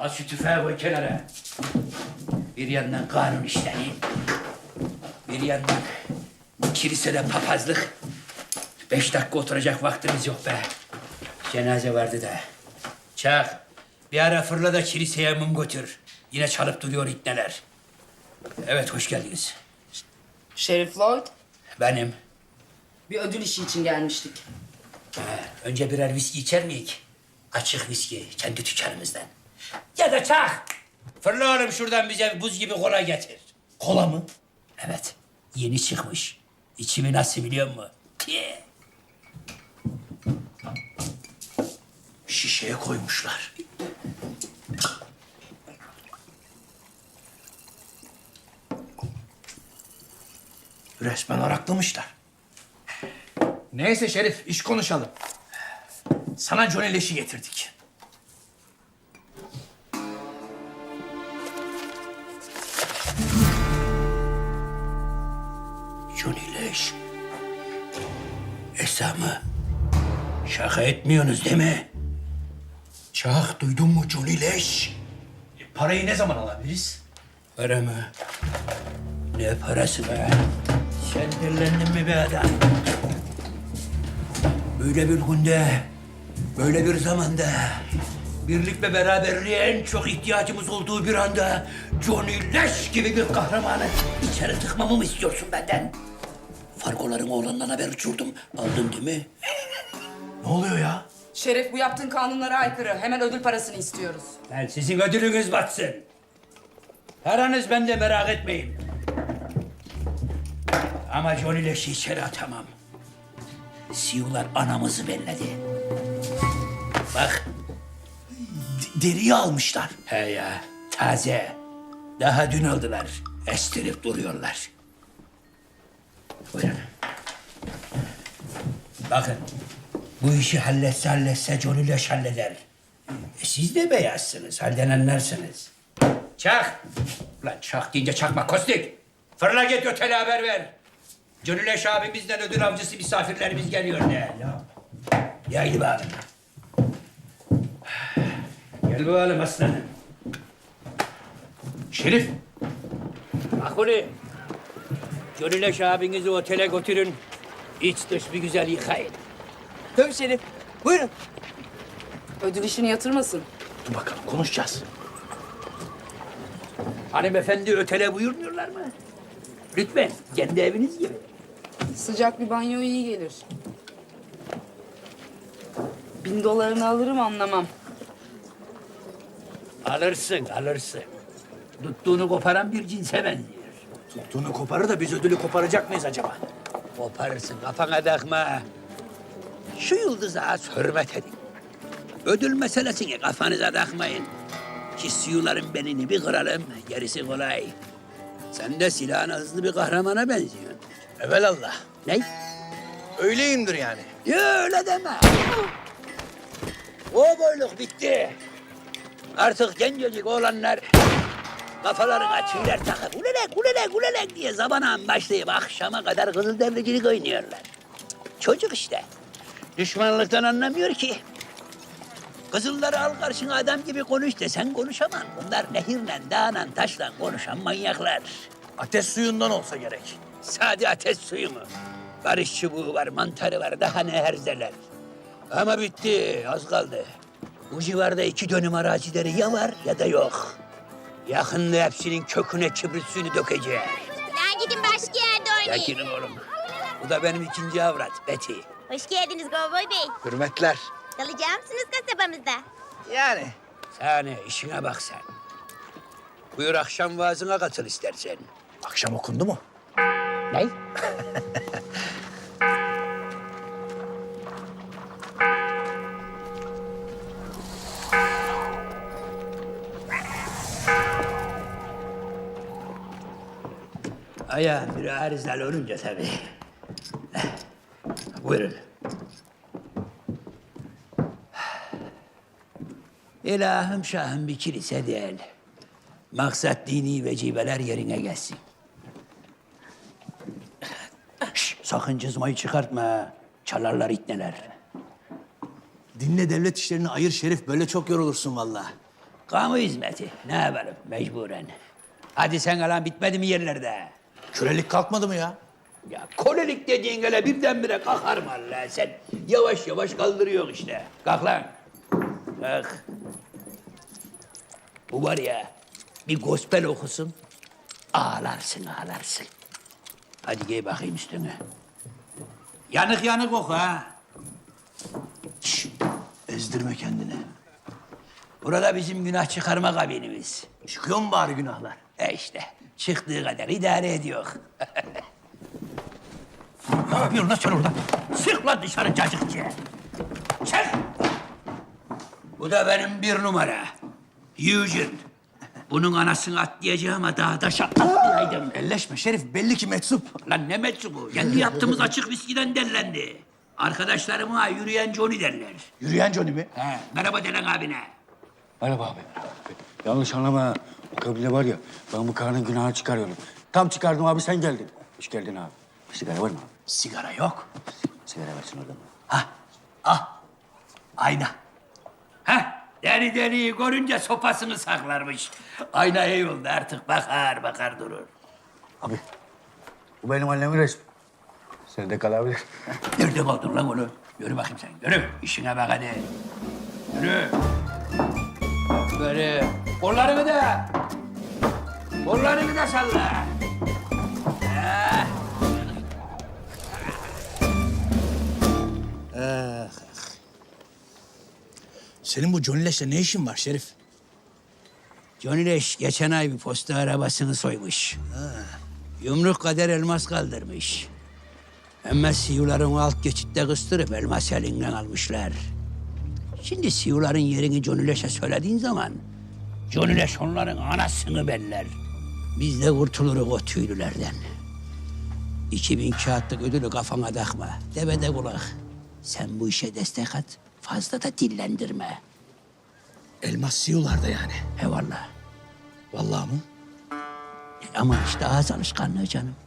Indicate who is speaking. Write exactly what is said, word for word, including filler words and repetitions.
Speaker 1: Al şu tüfeği koy kenara. Bir yandan kanun işleri, bir yandan kilisede papazlık. Beş dakika oturacak vaktimiz yok be. Cenaze vardı da. Çak, bir ara fırla da kiliseye mum götür. Yine çalıp duruyor itneler. Evet, hoş geldiniz.
Speaker 2: Şerif Lloyd,
Speaker 1: Benim.
Speaker 2: bir ödül işi için gelmiştik.
Speaker 1: Ha, önce birer viski içer miyik? Açık viski, kendi dükkanımızdan. Ya da çak. Fırla oğlum şuradan bize buz gibi kola getir.
Speaker 3: Kola mı?
Speaker 1: Evet, yeni çıkmış. İçimi nasıl biliyor musun? Tiye.
Speaker 3: Şişeye koymuşlar. Resmen araklamışlar. Neyse Şerif, iş konuşalım. Sana Johnny Leş'i getirdik.
Speaker 1: Johnny Leş. Esamı. Şaka etmiyorsunuz değil mi?
Speaker 3: Çak, duydun mu Johnny Leş? E, parayı ne zaman alabiliriz?
Speaker 1: Para mı? Ne parası be? Sen delilendin mi be adam? Böyle bir günde, böyle bir zamanda, birlik ve beraberliğe en çok ihtiyacımız olduğu bir anda Johnny Leş gibi bir kahramanı içeri tıkmamı mı istiyorsun benden? Fargoların oğlandan haber uçurdum. Aldın değil mi?
Speaker 3: Ne oluyor ya?
Speaker 2: Şerif, bu yaptığın kanunlara aykırı. Hemen ödül parasını istiyoruz.
Speaker 1: Ben sizin ödülünüz batsın. Paranız bende, merak etmeyin. Ama Johnny Leş'i içeri atamam. Siyular anamızı belledi. Bak.
Speaker 3: D- deriyi almışlar.
Speaker 1: He ya, taze. Daha dün aldılar. Estirip duruyorlar. Buyurun. Bakın, bu işi halletse halletse Johnny Leş halleder. E siz de beyazsınız, halden anlarsınız. Çak! Ulan çak deyince çakma Kostik. Fırla git otele haber ver. Johnny Leş abimizden ödül avcısı misafirlerimiz geliyor de. Yaylı bakalım. Gel bakalım aslanım.
Speaker 3: Şerif,
Speaker 1: Makuli. Johnny Leş abinizi otele götürün. İç dış bir güzel yıkayın.
Speaker 2: Tabii Şerif. Buyurun. Ödül işini yatırmasın.
Speaker 3: dur bakalım konuşacağız.
Speaker 1: Hanımefendi ötele buyurmuyorlar mı? Lütfen, kendi eviniz gibi.
Speaker 2: Sıcak bir banyo iyi gelir. Bin dolarını alırım anlamam.
Speaker 1: Alırsın, alırsın. Tuttuğunu koparan bir cinse benziyor.
Speaker 3: Tuttuğunu koparır da biz ödülü koparacak mıyız acaba?
Speaker 1: Koparırsın, kafana takma. Şu yıldıza az hürmet edin. Ödül meselesini kafanıza takmayın. Ki siyuların belini bir kıralım, gerisi kolay. Sen de silahına hızlı bir kahramana benziyorsun.
Speaker 3: Evelallah.
Speaker 1: Ne?
Speaker 3: Öyleyimdir yani.
Speaker 1: Ya öyle deme. O boyluk bitti. Artık gencecik oğlanlar kafalarına tüyler takıp ulelek ulelek ulelek diye zabana başlayıp akşama kadar kızıldericilik oynuyorlar. Çocuk işte. Düşmanlıktan anlamıyor ki. Kızılları al karşına adam gibi konuş desen konuşamam. Bunlar nehirle, dağla, taşla konuşan manyaklar.
Speaker 3: Ateş suyundan olsa gerek.
Speaker 1: Sade ateş suyu mu? Barış çubuğu var, mantarı var, daha ne herzeler. Ama bitti, az kaldı. Bu civarda iki dönüm arazileri ya var ya da yok. Yakında hepsinin köküne kibrit suyunu dökeceğiz.
Speaker 4: Lan gidin başka yerde oynayın.
Speaker 1: Yakinim oğlum. Bu da benim ikinci avrat, Betty.
Speaker 4: Hoş geldiniz Kovboy Bey.
Speaker 3: Hürmetler.
Speaker 4: Kalacak mısınız kasabamızda?
Speaker 3: Yani.
Speaker 1: Sani, işine bak sen. Buyur akşam vaazına katıl istersen.
Speaker 3: Akşam okundu mu?
Speaker 1: Ne? Ayağım bir arızalı olunca tabii. Buyurun. İlahım şahım bir kilise değil. Maksat dini vecibeler yerine gelsin. Şş, sakın cızmayı çıkartma ha. Çalarlar itneler.
Speaker 3: Dinle devlet işlerini ayır Şerif. Böyle çok yorulursun vallahi.
Speaker 1: Kamu hizmeti. Ne yapalım mecburen. Hadi sen alan bitmedi mi yerlerde?
Speaker 3: Kölelik kalkmadı mı ya?
Speaker 1: Ya kolelik dediğin öyle birdenbire kalkar mı Allah? Sen yavaş yavaş kaldırıyorsun işte. Kalk lan. Kalk. Bu var ya bir gospel okusun. Ağlarsın ağlarsın. Hadi giy bakayım üstüne. Yanık yanık oku ha.
Speaker 3: Şşş, ezdirme kendini.
Speaker 1: Burada bizim günah çıkarma kabinimiz.
Speaker 3: Çıkıyor mu bari günahlar?
Speaker 1: E işte çıktığı kadar idare ediyor.
Speaker 3: Ne yapıyorsun lan sen orada?
Speaker 1: Çık lan dışarı cacıkçı. Çık. Bu da benim bir numara. Eugene. Bunun anasını atlayacağım ama daha taşa atlayaydım.
Speaker 3: Elleşme Şerif, belli ki meczup.
Speaker 1: Lan ne meczubu? Kendi yaptığımız açık viskiden derlendi. Arkadaşlarıma yürüyen Johnny derler.
Speaker 3: Yürüyen Johnny mi?
Speaker 1: He, merhaba Delen abine.
Speaker 5: Merhaba abi. Yanlış anlama. O kabile var ya, ben bu karının günahını çıkarıyorum. Tam çıkardım abi, sen geldin. Hoş geldin abi. Bir sigara var mı abi?
Speaker 3: Sigara yok.
Speaker 5: Sigara versin oradan.
Speaker 1: Ha, ah, ayna. Ha, deri deriyi görünce sopasını saklarmış. Ayna iyi oldu artık bakar bakar durur.
Speaker 5: Abi, bu benim annemin resmi. Sen de kalabilir.
Speaker 1: Nerede kaldın lan onu? Yürü bakayım sen, yürü. İşine bak hadi. Yürü. Böyle kollarını da, kollarını da salla. Ha.
Speaker 3: Senin bu Johnny Leş'le ne işin var Şerif?
Speaker 1: Johnny Leş geçen ay bir posta arabasını soymuş. Yumruk kadar elmas kaldırmış. Ama siyuların alt geçitte kıstırıp elmas elinden almışlar. Şimdi siyuların yerini Johnny Leş'e söylediğin zaman Johnny Leş onların anasını beller. Biz de kurtuluruz o tüylülerden. İki bin kağıtlık ödülü kafana takma. Devede kulak. Sen bu işe destek at. Fazla da dillendirme.
Speaker 3: Elmas siyularda yani.
Speaker 1: Eyvallah.
Speaker 3: Vallahi mı?
Speaker 1: Ama işte ağız alışkanlığı canım.